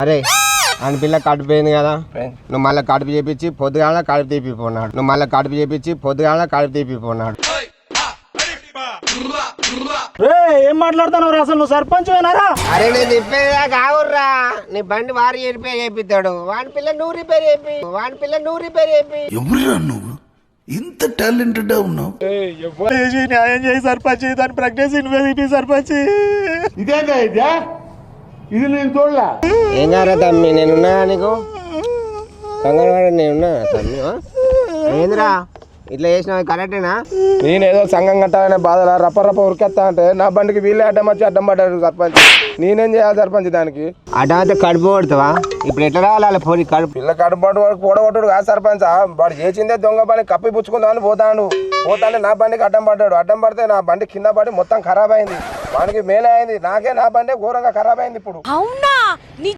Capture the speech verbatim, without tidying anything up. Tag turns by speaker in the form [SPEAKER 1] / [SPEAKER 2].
[SPEAKER 1] అరే అని పిల్ల కడుపు పోయింది కదా, నువ్వు మళ్ళీ కడుపు చేపించి పొద్దుగాల కడుపు తీపిపోన్నాడు నువ్వు మళ్ళీ కడుపు చేపించి పొద్దుగాల కడుపు తీపిపోన్నాడు.
[SPEAKER 2] ఏం మాట్లాడుతున్నావు అసలు? నువ్వు సర్పంచ్ అయినారా?
[SPEAKER 1] అరే నేను తిప్పేదా కావుర్రా, నీ బండి వారి రిపేర్ చేపిస్తాడు, వాని పిల్ల నువ్వు రిపేర్ చేపి వాని పిల్ల నువ్వు రిపేర్ చేపి.
[SPEAKER 3] ఎవరురా నువ్వు ఇంత టాలెంటెడ్ ఉన్నావు?
[SPEAKER 2] న్యాయం చేయి సర్పంచ్, దాని ప్రెగ్నెన్సీ నువ్వే తీపి సర్పంచ్.
[SPEAKER 4] ఇదేందా ఇదే? ఇది నేను చూడలే.
[SPEAKER 1] ఏం కారా తమ్మి, నేనున్నా నీకు కంగారు వాడు, నేనున్నా తమ్మి. ఏందిరా ఇట్లా చేసినావు, కరెక్టేనా?
[SPEAKER 5] నేనేదో సంఘం కట్టాలనే బాధలా రప్ప రప్ప ఉరికెత్తా అంటే నా బండికి వీళ్ళే అడ్డం వచ్చి అడ్డం పడ్డాడు సర్పంచ్. నేనేం చేయాలి సర్పంచ్ దానికి?
[SPEAKER 1] అడ్డమైతే కడుపు కొడతావా? ఇప్పుడు ఎట్లా రావాలి పోనీ కడుపు?
[SPEAKER 5] పిల్ల కడుపాటు వాడు కూడగొట్టాడు కాదు సర్పంచ్, వాడు చేసిందే దొంగ పని కప్పి పుచ్చుకుందామని పోతాడు. పోతానే నా బండికి అడ్డం పడ్డాడు. అడ్డం పడితే నా బండి కింద పడి మొత్తం ఖరాబ్ అయింది. వానికి మేలే అయింది, నాకే నా బండి ఘోరంగా ఖరాబ్ అయింది. ఇప్పుడు
[SPEAKER 6] అవునా?